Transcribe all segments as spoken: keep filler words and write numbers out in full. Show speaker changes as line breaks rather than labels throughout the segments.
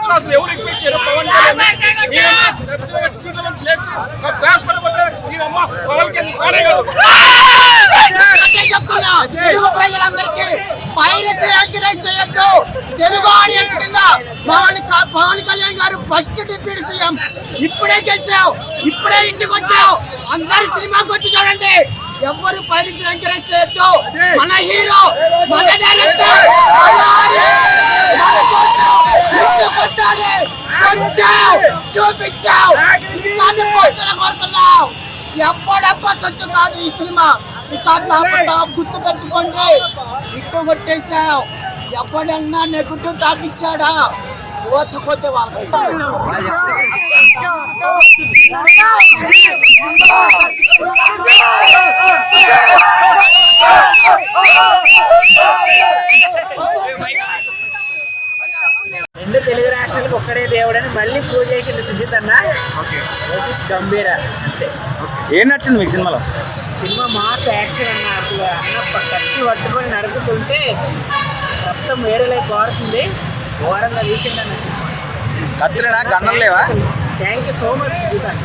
అసలు ఎవరు ఎక్స్పెక్ట్ చేయరు పవన్ కళ్యాణ్ సీట్ల నుంచి లేచి క్లాస్ పడిపోతే ఈయనమ్మ పవన్ కళ్యాణ్
చెప్తున్నా తెలుగు ప్రజలందరికీ పైరసీ ఎంకరేజ్ చేయొద్దు. తెలుగు ఆడియన్స్ కింద పవన్ పవన్ కళ్యాణ్ గారు ఫస్ట్ డిప్యూటీ సీఎం, ఇప్పుడే గెలిచావు, ఇప్పుడే ఇంటికి వచ్చావు, అందరు సినిమాకి వచ్చి చూడండి. ఎవరు పైరసీ ఎంకరేజ్ చేయొద్దు. మన హీరో, మన డైరెక్టర్ కొట్టాలి, చూపించావు, కొడుతున్నావు. ఎప్పుడెప్ప సొత్తు కాదు ఈ సినిమా, గుర్తు పెట్టుకోండి. ఇట్టు కొట్టేశావు. ఎవడన్నా నెగటివ్ టాక్ ఇచ్చాడా ఓచకొద్ది వాళ్ళకి.
రెండు తెలుగు రాష్ట్రాలకు ఒక్కడే దేవుడని మళ్ళీ ప్రూవ్ చేసిండు సుజిత్ అన్న. గంభీర అంటే
ఏం నచ్చింది మీకు సినిమాలో?
సినిమా మాస్ యాక్షన్ అన్న. అసలు అన్న కత్తి పట్టుకొని నరుకుతుంటే మొత్తం వేరే లైఫ్ పాడుతుంది. ఘోరంగా తీసిండు అన్న సినిమా.
కత్తిలేనా, గన్నం లేవా?
Thank you so much Sujith అన్న.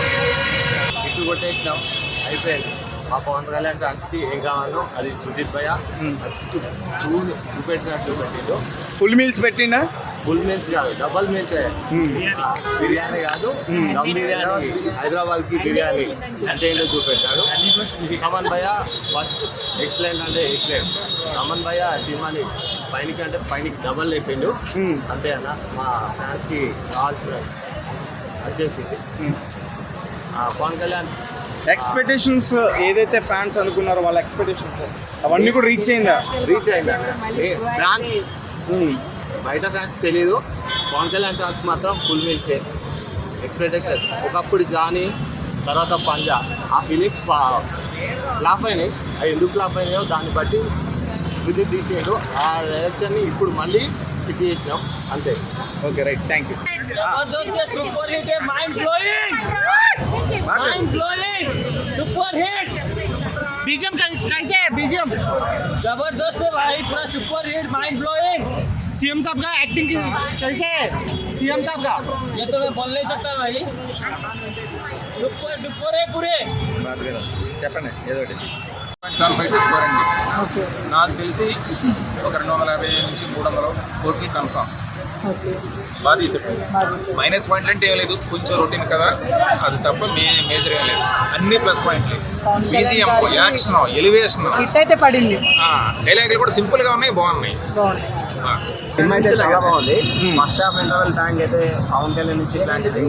ఇటు కొట్టేసినాం, అయిపోయింది. మా పవన్ కళ్యాణ్ ఫ్యాన్స్కి ఏం కావాలో అది సుజిత్ భయ్య చూసి చూపెట్టినట్టు పెట్టిండు.
ఫుల్ మీల్స్ పెట్టిండా?
ఫుల్ మీల్స్ కాదు, డబల్ మీల్స్. బిర్యానీ కాదు, దమ్ బిర్యానీ, హైదరాబాద్ కి బిర్యానీ అంటే ఏంటో చూపెట్టాడు. రమన్ భయ్య ఫస్ట్ ఎక్సలెంట్ అంటే ఎక్సలెంట్. రమన్ భయ్య సినిమాని పైనకి అంటే పైనకి డబల్ లేపిండు. అంతే అన్న, మా ఫ్యాన్స్కి కావాల్సిన వచ్చేసింది. పవన్ కళ్యాణ్
ఎక్స్పెక్టేషన్స్ ఏదైతే ఫ్యాన్స్ అనుకున్నారో వాళ్ళ ఎక్స్పెక్టేషన్స్ అవన్నీ కూడా రీచ్ అయిందా?
రీచ్ అయిందా? ఫ్యాన్ బయట ఫ్యాన్స్ తెలీదు, పవన్ కళ్యాణ్ ఫ్యాన్స్ మాత్రం ఫుల్ మీల్సే. ఎక్స్పెక్టేషన్స్ ఒకప్పుడు జానీ, తర్వాత పంజా, ఆ ఫిలిప్స్ ఫ్లాప్ అయినాయి. అవి ఎందుకు ఫ్లాప్ అయినాయో దాన్ని బట్టి సుజిత్ తీసేయడు. ఆ డైరెక్షన్ని ఇప్పుడు మళ్ళీ ఫిట్ చేసినాం, అంతే.
Okay, right, thank you.
Super hit है, mind blowing, mind blowing, super hit. BGM कैसे है? बीजीएम जबरदस्त है भाई, पूरा super hit, mind blowing. CM साहब का एक्टिंग कैसे है? सीएम साहब का ये तो मैं बोल नहीं सकता भाई, सुपर डुपर है पूरे।
చెప్పండి ఏదో ఒకటి.
సెవెన్ ఫైవ్ తెచ్చుకోరండి. నాకు తెలిసి ఒక రెండు వందల యాభై నుంచి మూడు వందలు కోట్లు కన్ఫామ్. బాగా తీసేపోయింది. మైనస్ పాయింట్లు అంటే ఏం లేదు, కొంచెం రొటీన్ కదా, అది తప్ప మే మేజర్ ఏం లేదు. అన్ని ప్లస్ పాయింట్లు. బీజిఎం, యాక్షన్, ఎలివేషన్,
అయితే పడింది.
డైలాగులు కూడా సింపుల్ గా ఉన్నాయి, బాగున్నాయి.
సినిమా అయితే చాలా బాగుంది. ఫస్ట్ హాఫ్ ఇంటర్వెల్ ట్యాంక్ అయితే పవన్ కళ్యాణ్ నుంచి ఇట్లాంటిది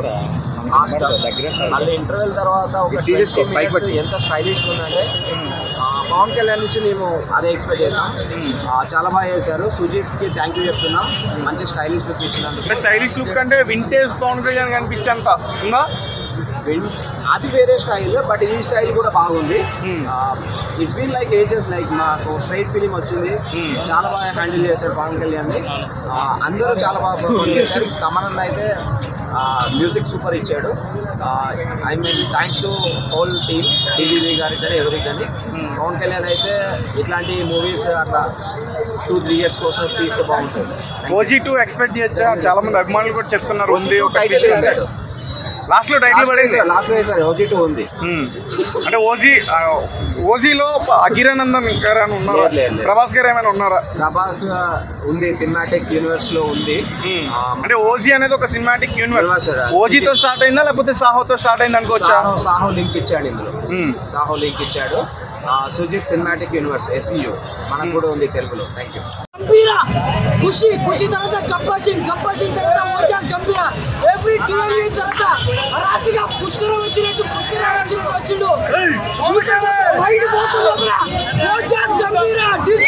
మళ్ళీ ఇంటర్వెల్ తర్వాత ఒక ఎంత స్టైలిష్ ఉందంటే పవన్ కళ్యాణ్ నుంచి మేము అదే ఎక్స్పెక్ట్ చేస్తాం. చాలా బాగా చేశారు. సుజిత్కి థ్యాంక్ యూ చెప్తున్నాం, మంచి స్టైలిష్ లుక్ ఇచ్చినందుకు.
స్టైలిష్ లుక్ అంటే వింటేజ్ పవన్ కళ్యాణ్ కనిపించేంత ఉందా?
అది వేరే స్టైల్, బట్ ఈ స్టైల్ కూడా బాగుంది. It's been like ages, like మాకు స్ట్రైట్ ఫిలిం వచ్చింది. చాలా బాగా హ్యాండిల్ చేశారు పవన్ కళ్యాణ్ని. అందరూ చాలా బాగా పర్ఫార్మ్ చేశారు. తమన్ అయితే మ్యూజిక్ సూపర్ ఇచ్చాడు. I mean thanks to whole team, TV గారి కానీ ఎవరికి కానీ. పవన్ కళ్యాణ్ అయితే ఇట్లాంటి మూవీస్ అట్లా టూ త్రీ ఇయర్స్ కోసం తీస్తే బాగుంటుంది.
ఓజీ టూ ఎక్స్పెక్ట్ చేయొచ్చా? చాలా మంది అభిమానులు కూడా చెప్తున్నారు ఉంది.
వేసాడు
లాస్ట్ లో టైటిల్ పడేసి
లాస్ట్ లో వేసారు ఓజీ టూ ఉంది.
అంటే ఓజీ ఓజీలో అగిరానందన్ గారు అని ఉన్నారు, ప్రభాస్ గారు ఏమైనా ఉన్నారా?
ప్రభాస్ ఉంది, సినిమాటిక్ యూనివర్స్ లో ఉంది.
అంటే ఓజీ అనేది ఒక సినిమాటిక్ యూనివర్స్. ఓజీతో స్టార్ట్ అయిందా లేకపోతే సాహోతో స్టార్ట్ అయింది అనుకోవచ్చా?
సాహో లింక్ ఇచ్చాడు ఇందులో, సాహో లింక్ ఇచ్చాడు. సుజిత్ సినిమాటిక్ యూనివర్స్ ఎస్ఈయు మనకు కూడా ఉంది తెలుగులో. Thank you.
ఖుషి ఖుషి తర్వాత గబ్బర్ సింగ్, గబ్బర్ సింగ్ తర్వాత ఓజాస్ గంభీర, ఎవ్రీ ట్వెల్వ్ ఇయర్స్ తర్వాత రాజుగా పుష్కరం వచ్చినట్టు పుష్కరం వచ్చినట్టు వచ్చిండు. మైండ్ పోతుంది. ఓజాస్ గంభీర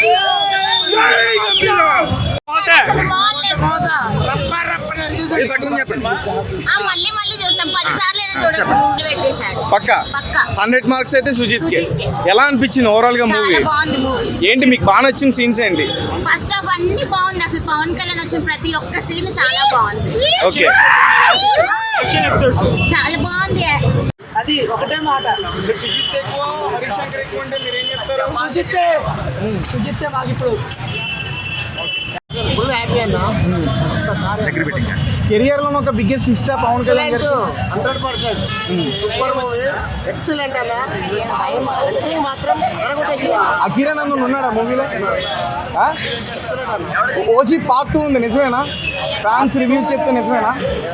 పక్కా హండ్రెడ్ మార్క్స్ అయితే సుజిత్ కి. ఎలా అనిపించింది ఓవరాల్ గా మూవీ? ఏంటి మీకు బాగా నచ్చిన సీన్స్ ఏంటి?
ఫస్ట్ ఆఫ్ అన్ని బాగుంది. అసలు పవన్ కళ్యాణ్ వచ్చిన ప్రతి ఒక్క సీన్ చాలా బాగుంది.
ఓకే,
చాలా బాగుంది.
అది ఒకటే మాట,
సుజిత్ ఎక్కువ హరీష్ శంకర్ ఎక్కువ అంటే మీరు ఏం చెప్తారు?
సుజిత్తే సుజిత్తే మాకు ఇప్పుడు
ఫుల్ హ్యాపీ అన్న ఒక్కసారి
కెరియర్ లో ఒక బిగ్గెస్ట్ ఇష్టా పవన్ కళ్యాణ్ గారు
hundred percent super movie excellent అన్న ఎంట్రీ మాత్రం అరగొట్టేసి
అఖీరా నందన్ ఉన్నాడా మూవీలో? ఓజీ పార్ట్ టూ ఉంది, నిజమేనా? ఫ్యాన్స్ రివ్యూస్ చెప్తే నిజమేనా?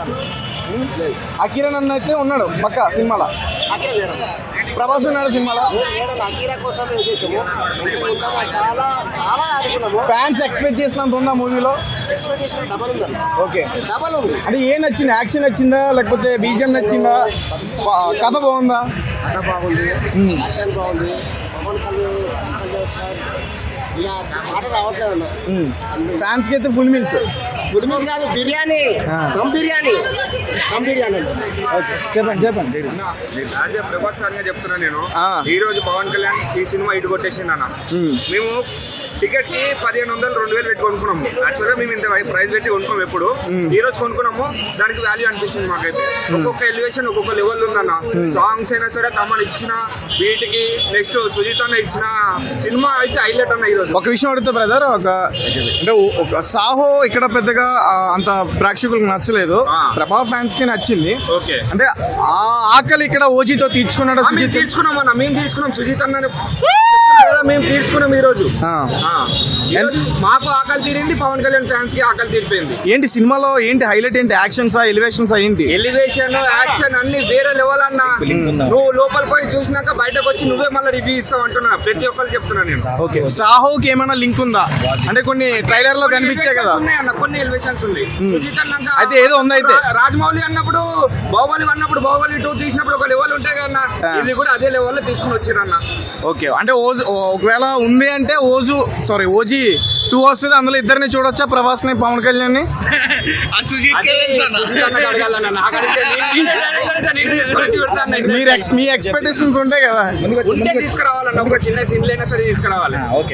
అఖీరా నందన్ అయితే ఉన్నాడు పక్క సినిమాలో. ప్రభాస్ ఉన్నాడు సినిమాలో.
అకీరా కోసం చేసాము చాలా చాలా ఆడుకున్నాము.
ఫ్యాన్స్ ఎక్స్పెక్ట్ చేసినంత ఉందా మూవీలో?
ఎక్స్పెక్ట్ చేసిన డబల్ ఉంది
ఓకే,
డబల్ ఉంది.
అంటే ఏం నచ్చింది? యాక్షన్ నచ్చిందా లేకపోతే బీజిఎం నచ్చిందా? ప- కథ బాగుందా?
కథ బాగుంది, యాక్షన్ బాగుంది. పవన్ కళ్యాణ్ సార్ ఇలా మాట రావట్లేదు అన్న.
ఫ్యాన్స్ కి అయితే ఫుల్ మీల్స్.
గుడిమిల్ కాదు, బిర్యానీ దమ్ బిర్యానీ దమ్ బిర్యానీ
ఓకే, చెప్పండి చెప్పండి.
యాజ్ ఏ ప్రభాస్ గారిగా చెప్తున్నా నేను.
ఆ.
ఈ రోజు పవన్ కళ్యాణ్ ఈ సినిమా ఇటు కొట్టేసింది అన్న.
మ్మ్.
మేము టికెట్ కి పదిహేను వందలు రెండు వేలు పెట్టి కొనుక్కున్నాము. యాక్చువల్గా మేము ఇంత ప్రైస్ పెట్టి కొనుక్కున్నాం ఎప్పుడు. ఈ రోజు కొనుక్కున్నాము, దానికి వాల్యూ అనిపించింది మాకైతే. ఒక్కొక్క ఎలివేషన్ ఒక్కొక్క లెవెల్ ఉందన్న. సాంగ్స్ అయినా సరే కమల్ ఇచ్చిన వీటికి, నెక్స్ట్ సుజిత్ అన్న ఇచ్చిన సినిమా అయితే హైలైట్ అన్న ఈ రోజు.
ఒక విషయం అడుగుతా బ్రదర్, ఒక అంటే ఒక సాహో ఇక్కడ పెద్దగా ఆ, అంత ప్రేక్షకులకు నచ్చలేదు.
ఆ.
ప్రభా ఫ్యాన్స్ కి నచ్చింది.
ఓకే,
అంటే ఆ ఆకలి ఇక్కడ ఓజీతో తీర్చుకున్నాడు
మేము
సుజిత్.
తీర్చుకున్నాం అన్న, మేము తీర్చుకున్నాం. సుజిత్ అన్న మేము తీర్చుకున్నాం ఈ రోజు.
ఆ.
ఆ. ఈ రోజు మాకు ఆకలి తీరింది, పవన్ కళ్యాణ్ ఫ్యాన్స్ కి ఆకలి తీరిపోయింది.
ఏంటి సినిమాలో ఏంటి హైలైట్? ఏంటి యాక్షన్సా ఎలివేషన్సా ఏంటి?
ఎలివేషన్ యాక్షన్ అన్ని వేరే లెవెల్ అన్న. నువ్వు లోపల పోయి చూసినాక బయటకు వచ్చి నువ్వే మళ్ళీ రివ్యూ ఇస్తావు అంటున్నా. ప్రతి ఒక్కరు చెప్తున్నా నేను.
ఓకే, సాహోకి ఏమైనా లింక్ ఉందా? అంటే కొన్ని ట్రైలర్ లో కనిపించాయి కదా.
ఉన్నాయి అన్న, కొన్ని ఎలివేషన్స్ ఉంది. సుజిత్ అన్నాక
అయితే ఏదో ఉంది అయితే.
రా- రాజమౌళి అన్నప్పుడు, బాహుబలి అన్నప్పుడు, బాహుబలి టూ తీసినప్పుడు ఒక లెవెల్ ఉంటాయి కదా.
ఆ.
ఇది కూడా అదే లెవెల్ లో తీసుకుని వచ్చిరన్న.
ఓకే, అంటే ఓజు ఒకవేళ ఉంది అంటే ఓజు సారీ ఓజీ టూ వస్తుంది. అందులో ఇద్దరిని చూడొచ్చా, ప్రభాస్ ని పవన్ కళ్యాణ్ ని?
అదే సుజిత్ అన్నకి అడగాలన్న. నాకు అడిగితే నేను- నేనే direct గా నేనే తీసుకొని వచ్చి పెడతాను నేను.
మీరు ex- మీ ఎక్స్పెక్టేషన్స్ ఉంటాయి కదా.
ఉంటే తీసుకురావాలన్న, ఒక చిన్న సీన్లు అయినా సరే తీసుకురావాలి.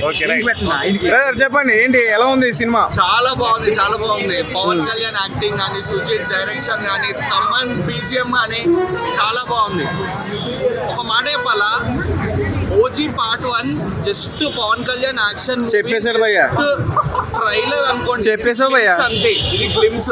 బ్రదర్ చెప్పండి, ఏంటి ఎలా ఉంది ఈ సినిమా?
చాలా బాగుంది, చాలా బాగుంది. పవన్ కళ్యాణ్ యాక్టింగ్ కానీ, సుజిత్ డైరెక్షన్ కానీ, తమన్ బీజిఎం కానీ చాలా బాగుంది. ఒక మాట చెప్పాలా, OG part one just Pavan Kalyan action
చెప్పేశాడు భయ్యా.
ట్రైలర్ అనుకోండి,
చెప్పేశావు భయ్యా.
అంతే. ఇది గ్లిమ్స్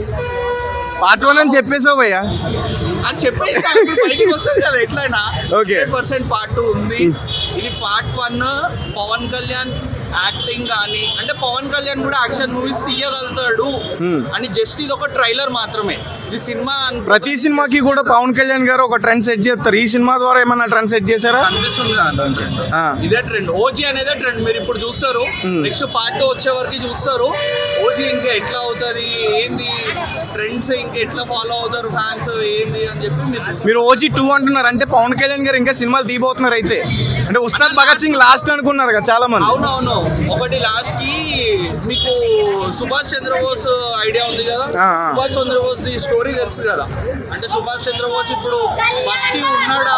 పార్ట్ వన్ అని చెప్పేసావు భయ్యా.
అది చెప్పేసి బయటికి వస్తుంది కదా ఎట్లయినా.
Okay.
పర్సెంట్ పార్ట్ టూ ఉంది. ఇది part one. Pavan Kalyan acting కానీ, అంటే పవన్ కళ్యాణ్ కూడా యాక్షన్ మూవీస్ తీయగలుగుతాడు అని జస్ట్ ఇది ఒక ట్రైలర్ మాత్రమే. ఇది సినిమా అనుకో-
ప్రతి సినిమాకి కూడా పవన్ కళ్యాణ్ గారు ఒక ట్రెండ్ సెట్ చేస్తారు. ఈ సినిమా ద్వారా ఏమన్నా ట్రెండ్ సెట్ చేశారా?
కనిపిస్తుంది దాంట్లోంచి.
ఆ.
ఇదే ట్రెండ్, ఓజీ అనేదే ట్రెండ్. మీరు ఇప్పుడు చూస్తారు, నెక్స్ట్ పార్ట్ టూ వచ్చే వరకు చూస్తారు. ఓజీ ఇంకా ఎట్లా అవుతుంది, ఏంది ట్రెండ్స్ ఇంకా ఎట్లా ఫాలో అవుతారు ఫ్యాన్స్, ఏంది అని చెప్పి మీరు చూస్తారు.
మీరు ఓజీ టూ అంటున్నారు అంటే పవన్ కళ్యాణ్ గారు ఇంకా సినిమాలు తీయబోతున్నారు అయితే. అంటే ఉస్తాద్ భగత్ సింగ్ లాస్ట్ అనుకున్నారు కదా చాలా మంది.
అవునవును. ఒకటి లాస్ట్ కి మీకు సుభాష్ చంద్రబోస్ ఐడియా ఉంది కదా.
ఆ, ఆ.
సుభాష్ చంద్రబోస్ ది స్టోరీ తెలుసు కదా. అంటే సుభాష్ చంద్రబోస్ ఇప్పుడు బట్టి ఉన్నాడా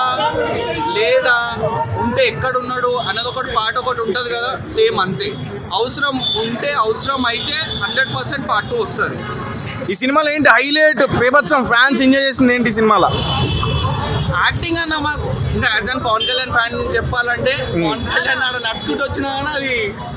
లేడా, ఉంటే ఎక్కడ ఉన్నాడు అన్నది ఒకటి పాట ఒకటి ఉంటుంది కదా. సేమ్ అంతే. అవసరం ఉంటే, అవసరం అయితే హండ్రెడ్ పర్సెంట్ పార్ట్ టూ వస్తుంది.
ఈ సినిమాలో ఏంటి హైలైట్ బేబత్సం ఫ్యాన్స్ ఎంజాయ్ చేసింది ఏంటి ఈ సినిమాలో?
యాక్టింగ్ అన్న మాకు ఇంకా as an Pavan Kalyan fan చెప్పాలంటే, పవన్ కళ్యాణ్ ఆడ నడుచుకుంటూ వచ్చినా కానీ అది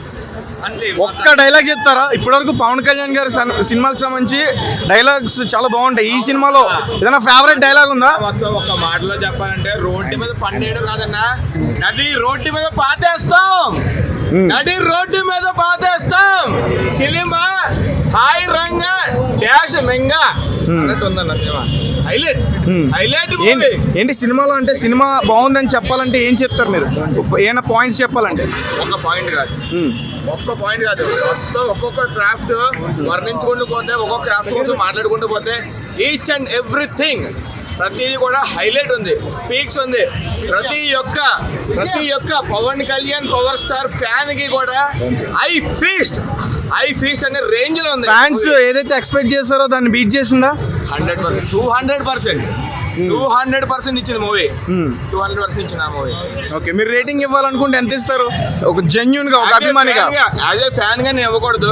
అంతే.
ఒక్క డైలాగ్ చెప్తారా? ఇప్పటివరకు పవన్ కళ్యాణ్ గారి సన్- సినిమాకి సంబంధించి డైలాగ్స్ చాలా బాగుంటాయి. ఈ సినిమాలో ఏదైనా ఫేవరెట్ డైలాగ్ ఉందా?
మొత్తం ఒక మాటలో చెప్పాలంటే రోడ్డు మీద పండేయడం కాదన్నా, నడి రోడ్డు మీద పాతేస్తాం, నడి రోడ్డు మీద పాతేస్తాం, సినిమా హాయ్ రంగా డాష్ మెంగా అన్నట్టు ఉందన్న సినిమా. హైలైట్ హైలైట్
ఏంటి ఏంటి సినిమాలో అంటే సినిమా బాగుందని చెప్పాలంటే ఏం చెప్తారు మీరు? ఏమైనా పాయింట్స్ చెప్పాలంటే?
ఒక్క పాయింట్ కాదు, ఒక్క పాయింట్ కాదు, మొత్తం ఒక్కొక్క క్రాఫ్ట్ వర్ణించుకుంటూ పోతే, ఒక్కొక్క క్రాఫ్ట్ కోసం మాట్లాడుకుంటూ పోతే ఈచ్ అండ్ ఎవ్రీథింగ్ ప్రతిదీ కూడా హైలైట్ ఉంది, పీక్స్ ఉంది. ప్రతి ఒక్క ప్రతి ఒక్క Pavan Kalyan power star fan కి కూడా ఐ ఫీస్ట్ ఐ ఫీస్ట్ అనే రేంజ్ లో ఉంది.
ఫ్యాన్స్ ఏదైతే ఎక్స్పెక్ట్ చేస్తారో దాన్ని బీట్ చేసిందా?
Hundred percent two hundred percent two hundred percent ఇచ్చింది మూవీ. టూ హండ్రెడ్ పర్సెంట్ ఇచ్చింది ఆ మూవీ.
ఓకే, మీరు రేటింగ్ ఇవ్వాలనుకుంటే ఎంత ఇస్తారు? ఒక జెన్యున్ గా, ఒక అభిమానిగా.
యాజ్ ఏ ఫ్యాన్ గా నేను ఇవ్వకూడదు.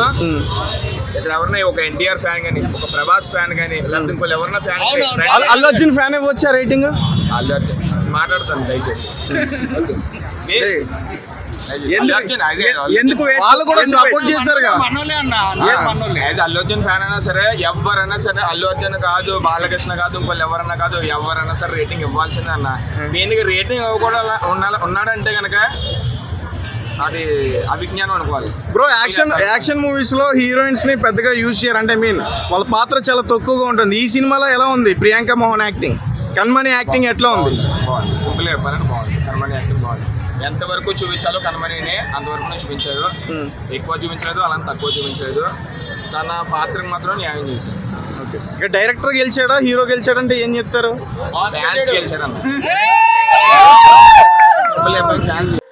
ఇక్కడ ఎవరన్నా ఒక ఎన్టీఆర్ ఫ్యాన్ కానీ, ఒక ప్రభాస్ ఫ్యాన్ కానీ, లేకపోతే ఇంకో ఎవరన్నా ఫ్యాన్
అల్- అల్లు అర్జున్ ఫ్యాన్ ఇవ్వచ్చా రేటింగ్?
మాట్లాడతాను దయచేసి. అల్లు అర్జున్ అదే
ఎందుకు వేస్ట్?
వాళ్ళు కూడా
ఎందుకు
సపోర్ట్
వేస్ట్?
చేశారుగా.
మనోళ్ళే అన్న అందరూ మనోళ్ళే.
యాజ్ అల్లు అర్జున్ ఫ్యాన్ అయినా సరే ఎవరైనా సరే అల్లు అర్జున్ కాదు బాలకృష్ణ కాదు ఇంకోళ్ళు ఎవరైనా కాదు ఎవరైనా సరే రేటింగ్ ఇవ్వాల్సిందే అన్న. దీనికి రేటింగ్ ఇవ్వకూడదు ఉండాలి ఉన్నాడంటే కనుక అది అభిజ్ఞానం అనుకోవాలి.
బ్రో యాక్షన్ యాక్షన్ మూవీస్ లో హీరోయిన్స్ ని పెద్దగా యూజ్ చేయరు అంటే ఐ మీన్ వాళ్ళ పాత్ర చాలా తక్కువగా ఉంటుంది. ఈ సినిమాలో ఎలా ఉంది ప్రియాంక మోహన్ యాక్టింగ్, కన్మణి యాక్టింగ్ ఎట్లా ఉంది?
బాగుంది, సింపుల్ చెప్పాలని బాగుంది. కన్మణి యాక్టింగ్ బాగుంది. ఎంతవరకు చూపించాలో కన్మణిని అంతవరకు చూపించారు. ఎక్కువ చూపించలేదు అలానే తక్కువ చూపించలేదు. తన పాత్రకు మాత్రం న్యాయం చేశారు.
ఓకే, ఇక డైరెక్టర్ గెలిచాడా హీరో గెలిచాడంటే ఏం చెప్తారు?
ఫ్యాన్స్ గెలిచారన్న సింపుల్ చెప్పాలి ఫ్యాన్స్